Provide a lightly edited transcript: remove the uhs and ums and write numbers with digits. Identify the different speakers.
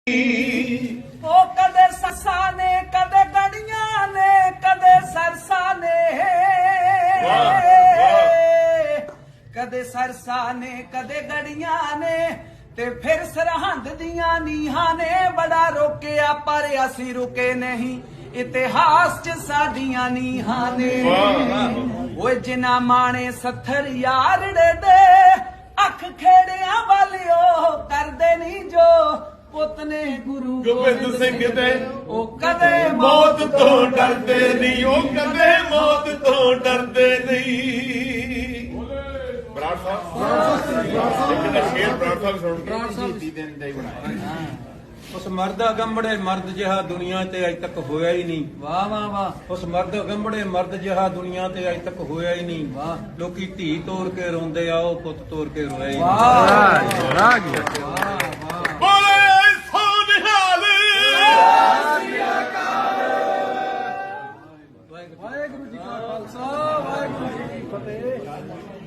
Speaker 1: ਉਹ ਕਦੇ ਸੱਸਾਂ ਨੇ ਕਦੇ ਗੜੀਆਂ ਨੇ ਕਦੇ ਸਰਸਾਂ ਨੇ ਕਦੇ ਸਰਸਾਂ ਨੇ ਕਦੇ ਗੜੀਆਂ ਨੇ ਤੇ ਫਿਰ ਸਰਹੰਦ ਦੀਆਂ ਨੀਹਾਂ ਨੇ ਬੜਾ ਰੋਕਿਆ ਪਰ ਅਸੀਂ ਰੁਕੇ ਨਹੀਂ ਇਤਿਹਾਸ ਚ ਸਾਡੀਆਂ ਨੀਹਾਂ ਨੇ ਓਏ ਜਿਨ੍ਹਾਂ ਮਾਣੇ ਸੱਥਰ ਯਾਰੜੇ ਦੇ ਅੱਖ ਖੇੜਿਆਂ ਵਾਲਿਓ ਕਰਦੇ ਨਹੀਂ ਜੋ ਪੁੱਤ ਨੇ ਗੁਰੂ
Speaker 2: ਗੋਬਿੰਦ ਸਿੰਘ ਦੇ
Speaker 1: ਉਹ ਕਦੇ
Speaker 2: ਮੌਤ ਤੋਂ ਡਰਦੇ ਨਹੀਂ, ਉਹ ਕਦੇ ਮੌਤ ਤੋਂ ਡਰਦੇ ਨਹੀਂ। ਬਰਾੜ ਸਾਹਿਬ ਇੱਕ ਦਾ ਸ਼ੇਰ ਬਰਾੜ ਸਾਹਿਬ ਸੁਣ ਕੇ ਦਿਨ ਦਾ ਹੀ ਬਣਾਇਆ।
Speaker 3: ਉਸ ਮਰਦ ਅਗੰਬੜੇ ਮਰਦ ਜਿਹਾ ਦੁਨੀਆ ਤੇ ਅਜ ਤੱਕ ਹੋਇਆ ਹੀ ਨਹੀਂ।
Speaker 1: ਵਾਹ ਵਾਹ ਵਾਹ।
Speaker 3: ਉਸ ਮਰਦ ਅਗੰਬੜੇ ਮਰਦ ਜਿਹਾ ਦੁਨੀਆ ਤੇ ਅਜ ਤੱਕ ਹੋਇਆ ਹੀ ਨਹੀਂ।
Speaker 1: ਵਾਹ।
Speaker 3: ਲੋਕੀ ਧੀ ਤੋੜ ਕੇ ਰੋਂਦੇ ਆ, ਉਹ ਪੁੱਤ ਤੋੜ ਕੇ ਰੋਇਆ ਹੀ
Speaker 1: ਵਾਹ
Speaker 3: ਨਹੀਂ।
Speaker 1: ਵਾਹ
Speaker 2: ਬੋਲੇ ਸੋ ਨਿਹਾਲ।
Speaker 1: ਵਾਹਿਗੁਰੂ ਜੀ ਕਾ ਖਾਲਸਾ ਵਾਹਿਗੁਰੂ ਜੀ ਕੀ ਫਤਿਹ।